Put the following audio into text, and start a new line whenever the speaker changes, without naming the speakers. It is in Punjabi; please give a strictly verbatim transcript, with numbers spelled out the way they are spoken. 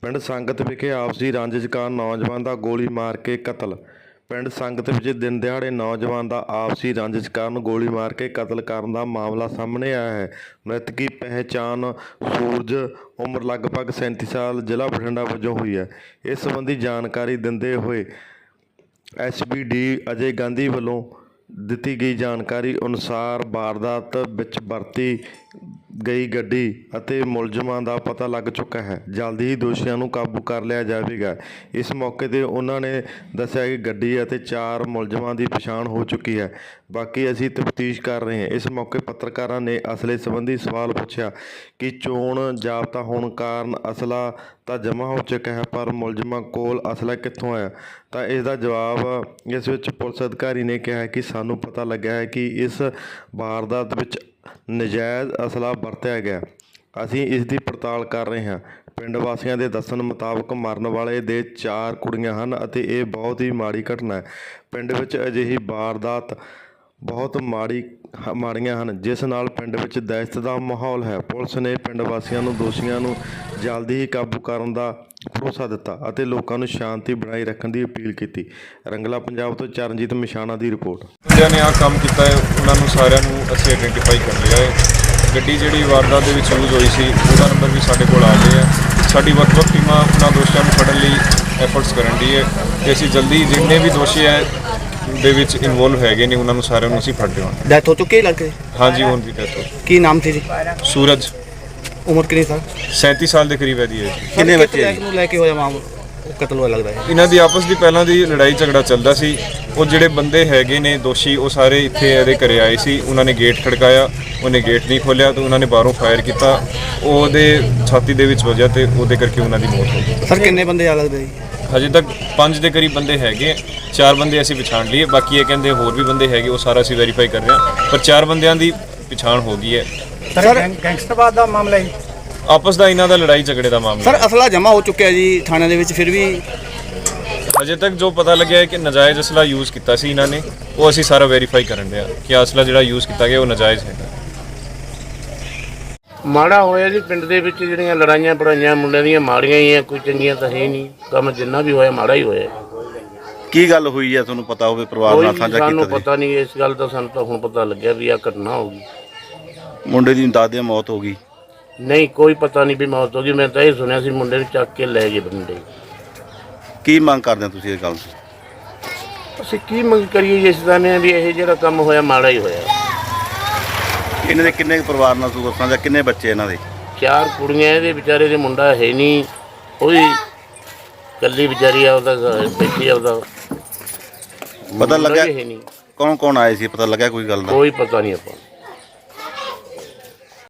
ਪਿੰਡ ਸੰਗਤ ਵਿਖੇ ਆਪਸੀ ਰੰਜਿਸ਼ ਕਾਰਨ ਨੌਜਵਾਨ ਦਾ ਗੋਲੀ ਮਾਰ ਕੇ ਕਤਲ। ਪਿੰਡ ਸੰਗਤ ਵਿੱਚ ਦਿਨ ਦਿਹਾੜੇ ਨੌਜਵਾਨ ਦਾ ਆਪਸੀ ਰੰਜਿਸ਼ ਕਾਰਨ ਗੋਲੀ ਮਾਰ ਕੇ ਕਤਲ ਕਰਨ ਦਾ ਮਾਮਲਾ ਸਾਹਮਣੇ ਆਇਆ ਹੈ। ਮ੍ਰਿਤਕ ਦੀ ਪਹਿਚਾਣ ਸੂਰਜ ਉਮਰ ਲਗਭਗ ਸੈਂਤੀ ਸਾਲ ਜ਼ਿਲ੍ਹਾ ਬਠਿੰਡਾ ਵਜੋਂ ਹੋਈ ਹੈ। ਇਸ ਸੰਬੰਧੀ ਜਾਣਕਾਰੀ ਦਿੰਦੇ ਹੋਏ S P D Ajay Gandhi ਵੱਲੋਂ ਦਿੱਤੀ ਗਈ ਜਾਣਕਾਰੀ ਅਨੁਸਾਰ ਵਾਰਦਾਤ ਵਿੱਚ ਵਰਤੀ ਗਈ ਗੱਡੀ ਅਤੇ ਮੁਲਜ਼ਮਾਂ ਦਾ ਪਤਾ ਲੱਗ ਚੁੱਕਾ ਹੈ। ਜਲਦੀ ਹੀ ਦੋਸ਼ੀਆਂ ਨੂੰ ਕਾਬੂ ਕਰ ਲਿਆ ਜਾਵੇਗਾ। ਇਸ ਮੌਕੇ 'ਤੇ ਉਹਨਾਂ ਨੇ ਦੱਸਿਆ ਕਿ ਗੱਡੀ ਅਤੇ ਚਾਰ ਮੁਲਜ਼ਮਾਂ ਦੀ ਪਛਾਣ ਹੋ ਚੁੱਕੀ ਹੈ। ਬਾਕੀ ਅਸੀਂ ਤਫਤੀਸ਼ ਕਰ ਰਹੇ ਹਾਂ। ਇਸ ਮੌਕੇ ਪੱਤਰਕਾਰਾਂ ਨੇ ਅਸਲੇ ਸੰਬੰਧੀ ਸਵਾਲ ਪੁੱਛਿਆ ਕਿ ਚੋਣ ਜਾਬਤਾ ਹੋਣ ਕਾਰਨ ਅਸਲਾ ਤਾਂ ਜਮ੍ਹਾਂ ਹੋ ਚੁੱਕਾ ਹੈ, ਪਰ ਮੁਲਜ਼ਮਾਂ ਕੋਲ ਅਸਲਾ ਕਿੱਥੋਂ ਆਇਆ? ਤਾਂ ਇਸ ਦਾ ਜਵਾਬ ਇਸ ਵਿੱਚ ਪੁਲਿਸ ਅਧਿਕਾਰੀ ਨੇ ਕਿਹਾ ਕਿ ਸਾਨੂੰ ਪਤਾ ਲੱਗਿਆ ਹੈ ਕਿ ਇਸ ਵਾਰਦਾਤ ਵਿੱਚ ਨਜਾਇਜ਼ ਅਸਲਾ ਵਰਤਿਆ ਗਿਆ। ਅਸੀਂ ਇਸ ਦੀ ਪੜਤਾਲ ਕਰ ਰਹੇ ਹਾਂ। ਪਿੰਡ ਵਾਸੀਆਂ ਦੇ ਦੱਸਣ ਮੁਤਾਬਕ ਮਰਨ ਵਾਲੇ ਦੇ ਚਾਰ ਕੁੜੀਆਂ ਹਨ ਅਤੇ ਇਹ ਬਹੁਤ ਹੀ ਮਾੜੀ ਘਟਨਾ ਹੈ। ਪਿੰਡ ਵਿੱਚ ਅਜਿਹੀ ਵਾਰਦਾਤ ਬਹੁਤ ਮਾੜੀ ਮਾੜੀਆਂ ਹਨ ਜਿਸ ਨਾਲ ਪਿੰਡ ਵਿੱਚ ਦਹਿਸ਼ਤ ਦਾ ਮਾਹੌਲ ਹੈ। ਪੁਲਿਸ ਨੇ ਪਿੰਡ ਵਾਸੀਆਂ ਨੂੰ ਦੋਸ਼ੀਆਂ ਨੂੰ ਜਲਦੀ ਹੀ ਕਾਬੂ ਕਰਨ ਦਾ ਭਰੋਸਾ ਦਿੱਤਾ ਅਤੇ ਲੋਕਾਂ ਨੂੰ ਸ਼ਾਂਤੀ ਬਣਾਈ ਰੱਖਣ ਦੀ ਅਪੀਲ ਕੀਤੀ। ਰੰਗਲਾ ਪੰਜਾਬ ਤੋਂ ਚਰਨਜੀਤ ਮਿਸ਼ਾਣਾ ਦੀ ਰਿਪੋਰਟ।
ਜਿਹਨਾਂ ਨੇ ਆਹ ਕੰਮ ਕੀਤਾ ਹੈ ਉਹਨਾਂ ਨੂੰ ਸਾਰਿਆਂ ਨੂੰ ਅਸੀਂ ਆਇਡੈਂਟੀਫਾਈ ਕਰ ਲਿਆ ਹੈ। ਗੱਡੀ ਜਿਹੜੀ ਵਾਰਦਾਤ ਦੇ ਵਿੱਚ ਯੂਜ਼ ਹੋਈ ਸੀ ਉਹਦਾ ਨੰਬਰ ਵੀ ਸਾਡੇ ਕੋਲ ਆ ਗਿਆ ਹੈ। ਸਾਡੀ ਵੱਖ-ਵੱਖ ਟੀਮਾਂ ਉਹਨਾਂ ਦੋਸ਼ੀਆਂ ਨੂੰ ਫੜਨ ਲਈ ਐਫਰਟਸ ਕਰਨ ਦੀ ਹੈ ਅਤੇ ਅਸੀਂ ਜਲਦੀ ਜਿੰਨੇ ਵੀ ਦੋਸ਼ੀ ਹੈ ਦੇ ਵਿੱਚ ਇਨਵੋਲਵ ਹੈਗੇ ਨੇ ਉਹਨਾਂ ਨੂੰ ਸਾਰਿਆਂ ਨੂੰ ਅਸੀਂ ਫੜ ਦੇਵਾਂਗੇ।
ਡੈਥ ਹੋ ਚੁੱਕੀ ਹੈ ਲੜਕੇ?
ਹਾਂਜੀ ਹੁਣ ਦੀ ਡੈਥ ਹੋ। ਕੀ
ਨਾਮ ਸੀ ਜੀ?
ਸੂਰਜ।
ਉਮਰ ਕਿੰਨੀ ਸਾਲ?
ਸੈਂਤੀ ਸਾਲ ਦੇ ਕਰੀਬ ਹੈ ਜੀ।
ਕਿੰਨੇ ਬੱਚੇ ਨੂੰ ਲੈ ਕੇ ਹੋਇਆ ਮਾਮਲਾ ਕਤਲ ਹੋਇਆ ਲੱਗਦਾ ਹੈ?
ਇਹਨਾਂ ਦੀ ਆਪਸ ਦੀ ਪਹਿਲਾਂ ਦੀ ਲੜਾਈ ਝਗੜਾ ਚੱਲਦਾ ਸੀ। ਉਹ ਜਿਹੜੇ ਬੰਦੇ ਹੈਗੇ ਨੇ ਦੋਸ਼ੀ ਉਹ ਸਾਰੇ ਇੱਥੇ ਇਹਦੇ ਘਰੇ ਆਏ ਸੀ। ਉਹਨਾਂ ਨੇ ਗੇਟ ਖੜਕਾਇਆ, ਉਹਨੇ ਗੇਟ ਨਹੀਂ ਖੋਲ੍ਹਿਆ ਤਾਂ ਉਹਨਾਂ ਨੇ ਬਾਹਰੋਂ ਫਾਇਰ ਕੀਤਾ। ਉਹਦੇ ਛਾਤੀ ਦੇ ਵਿੱਚ ਵੱਜਿਆ ਤੇ ਉਹਦੇ ਕਰਕੇ ਉਹਨਾਂ ਦੀ ਮੌਤ ਹੋ ਗਈ।
ਸਰ ਕਿੰਨੇ ਬੰਦੇ ਆ ਲੱਗਦੇ ਜੀ?
ਹਜੇ ਤੱਕ ਪੰਜ ਦੇ ਕਰੀਬ ਬੰਦੇ ਹੈਗੇ। ਚਾਰ ਬੰਦੇ ਅਸੀਂ ਪਛਾਣ ਲਈਏ, ਬਾਕੀ ਇਹ ਕਹਿੰਦੇ ਹੋਰ ਵੀ ਬੰਦੇ ਹੈਗੇ, ਉਹ ਸਾਰਾ ਅਸੀਂ ਵੈਰੀਫਾਈ ਕਰ ਰਹੇ ਹਾਂ, ਪਰ ਚਾਰ ਬੰਦਿਆਂ ਦੀ ਪਛਾਣ ਹੋ ਗਈ ਹੈ।
ਸਰ ਗੈਂਗਸਟਰਵਾਦ ਦਾ ਮਾਮਲਾ ਹੈ?
ਆਪਸ ਦਾ ਇਹਨਾਂ ਦਾ ਲੜਾਈ ਝਗੜੇ ਦਾ ਮਾਮਲਾ।
ਸਰ ਅਸਲਾ ਜਮ੍ਹਾਂ ਹੋ ਚੁੱਕਿਆ ਜੀ ਥਾਣੇ ਦੇ ਵਿੱਚ, ਫਿਰ ਵੀ
ਹਜੇ ਤੱਕ ਜੋ ਪਤਾ ਲੱਗਿਆ ਹੈ ਕਿ ਨਜਾਇਜ਼ ਅਸਲਾ ਯੂਜ਼ ਕੀਤਾ ਸੀ ਇਹਨਾਂ ਨੇ, ਉਹ ਅਸੀਂ ਸਾਰਾ ਵੈਰੀਫਾਈ ਕਰਨ ਰਹੇ ਹਾਂ ਕਿ ਅਸਲਾ ਜਿਹੜਾ ਯੂਜ਼ ਕੀਤਾ ਗਿਆ ਉਹ ਨਜਾਇਜ਼ ਹੈਗਾ।
ਮਾੜਾ ਹੋਇਆ ਜੀ ਪਿੰਡ ਦੇ ਵਿੱਚ ਜਿਹੜੀਆਂ ਲੜਾਈਆਂ ਪੜਾਈਆਂ ਮੁੰਡਿਆਂ ਦੀਆਂ ਮਾੜੀਆਂ ਹੀ ਆ, ਕੋਈ ਚੰਗੀਆਂ ਤਾਂ ਹੈ ਨਹੀਂ। ਕੰਮ ਜਿੰਨਾ ਵੀ ਹੋਇਆ ਮਾੜਾ ਹੀ ਹੋਇਆ।
ਕੀ ਗੱਲ ਹੋਈ ਹੈ ਤੁਹਾਨੂੰ ਪਤਾ ਹੋਵੇ? ਪਰਿਵਾਰ ਨਾਲ ਸਾਂਝਾ ਕੀਤਾ?
ਸਾਨੂੰ ਪਤਾ ਨਹੀਂ ਇਸ ਗੱਲ ਦਾ, ਸਾਨੂੰ ਤਾਂ ਹੁਣ ਪਤਾ ਲੱਗਿਆ ਵੀ ਆਹ ਘਟਨਾ ਹੋ ਗਈ।
ਮੁੰਡੇ ਦੀ ਦਾਦੇ ਮੌਤ ਹੋ ਗਈ?
ਨਹੀਂ ਕੋਈ ਪਤਾ ਨਹੀਂ ਵੀ ਮੌਤ ਹੋ ਗਈ। ਮੈਂ ਤਾਂ ਇਹ ਸੁਣਿਆ ਸੀ ਮੁੰਡੇ ਨੂੰ ਚੱਕ ਕੇ ਲੈ ਗਏ ਬੰਦੇ।
ਕੀ ਮੰਗ ਕਰਦੇ ਹੋ ਤੁਸੀਂ ਇਸ ਗੱਲ ਤੋਂ?
ਅਸੀਂ ਕੀ ਮੰਗ ਕਰੀਏ ਜਿਸ ਦਾ ਨੇ ਵੀ ਇਹ ਜਿਹੜਾ ਕੰਮ ਹੋਇਆ ਮਾੜਾ ਹੀ ਹੋਇਆ।
ਇਹਨਾਂ ਦੇ ਕਿੰਨੇ ਪਰਿਵਾਰ ਨਾਲ ਤੁਸੀਂ ਸਾਂਝਾ? ਕਿੰਨੇ ਬੱਚੇ ਇਹਨਾਂ ਦੇ?
ਚਾਰ ਕੁੜੀਆਂ, ਇਹਦੇ ਵਿਚਾਰੇ ਦੇ ਮੁੰਡਾ ਹੈ ਨਹੀਂ, ਉਹ ਵੀ ਇਕੱਲੀ ਵਿਚਾਰੀ ਆ, ਉਹਦਾ ਬੇਟੀ ਆ, ਉਹਦਾ
ਪਤਾ ਲੱਗਿਆ
ਹੈ ਨਹੀਂ।
ਕੌਣ ਕੌਣ ਆਏ ਸੀ? ਪਤਾ ਲੱਗਿਆ ਕੋਈ ਗੱਲ ਦਾ?
ਕੋਈ ਪਤਾ ਨਹੀਂ ਆਪਾਂ